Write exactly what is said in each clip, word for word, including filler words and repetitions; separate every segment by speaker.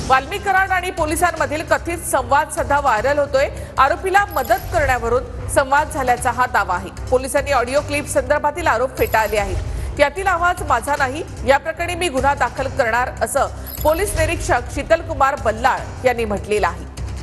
Speaker 1: वाल्मिक कराड आणि पोलिसांमधील कथित संवाद सध्या व्हायरल होतोय। आरोपीला मदत करण्यावरून संवाद झाल्याचा हा दावा आहे। पोलिसांनी ऑडिओ क्लिप संदर्भातील आरोप फेटाळले आहेत। यातील आवाज माझा नाही, या प्रकरणी मी गुन्हा दाखल करणार असं पोलीस निरीक्षक शीतल कुमार बल्लाळ यांनी म्हटलेलं आहे।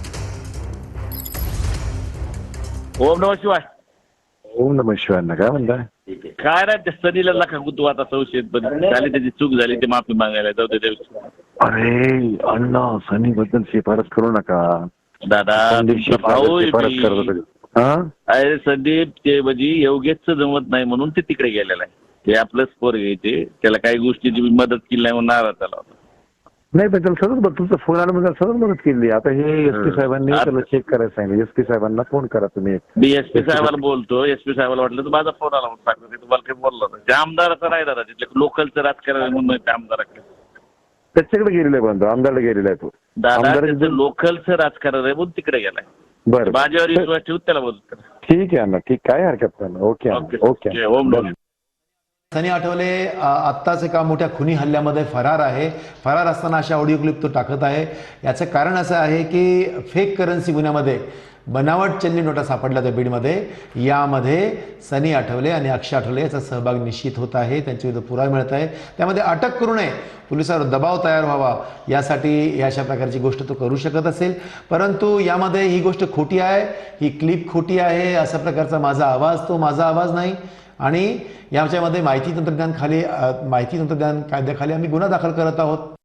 Speaker 2: ओम नमः शिवाय।
Speaker 3: ओम नमः शिवाय। काय म्हणताय?
Speaker 2: काय रे, सनीला लखा तू आता संशयित पण झाली, त्याची चूक झाली, ते माफी मागायला जाऊ दे।
Speaker 3: अरे अण्णा, सनी बद्दल शिफारस करू नका
Speaker 2: दादा। भाऊ
Speaker 3: शिफारस करत होते। हा
Speaker 2: अरे संदीप, ते म्हणजे योगेशचं जमत नाही म्हणून ते तिकडे गेलेला आहे। ते आपलंच पोर घ्यायचे, त्याला काही गोष्टीची मदत केली नाही म्हणून नाराज झाला होता।
Speaker 3: नाही पण त्याला सतत बघ, तुमचा फोन आला म्हणजे सतत मदत केली। आता हे एस पी साहेबांनी त्याला चेक करायला सांगितलं। एस पी साहेबांना फोन करा तुम्ही।
Speaker 2: मी एस पी साहेबाला बोलतो, एस पी साहेबाला वाटलं तर माझा फोन आला म्हणून सांगतो, ते तुम्हाला काही बोललो होतं। त्या आमदाराचं नाही दादा, तिथले लोकलचं राजकारण म्हणून त्या आमदाराकडे
Speaker 3: त्याच्याकडे गेलेला आहे, बंधू आमदारला गेलेला आहे तो।
Speaker 2: दादा त्याचं लोकलचं राजकारण आहे म्हणून तिकडे गेलाय।
Speaker 3: बरं,
Speaker 2: माझ्यावर विश्वास ठेवून त्याला बोलतो।
Speaker 3: ठीक आहे अण्णा, ठीक, काय हरकत नाही। Okay okay okay.
Speaker 4: Sunny Athawale आत्ताच एका मोठ्या खुनी हल्ल्यामध्ये फरार आहे। फरार असताना अशा ऑडिओ क्लिप तो टाकत आहे। याचं कारण असं आहे की फेक करन्सी गुन्ह्यामध्ये बनावट चलनी नोटा सापडल्या त्या बीडमध्ये, यामध्ये सनी आठवले आणि अक्षय आठवले याचा सहभाग निश्चित होत आहे। त्यांच्या विरुद्ध पुरावा मिळत आहे। त्यामध्ये अटक करू नये, पोलिसांवर दबाव तयार व्हावा यासाठी अशा प्रकारची गोष्ट तो करू शकत असेल। परंतु यामध्ये ही गोष्ट खोटी आहे, ही क्लिप खोटी आहे। अशा प्रकारचा माझा आवाज तो माझा आवाज नाही। आणि याच्यामध्ये माहिती तंत्रज्ञान खाली माहिती तंत्रज्ञान कायद्याखाली आम्ही गुन्हा दाखल करत आहोत।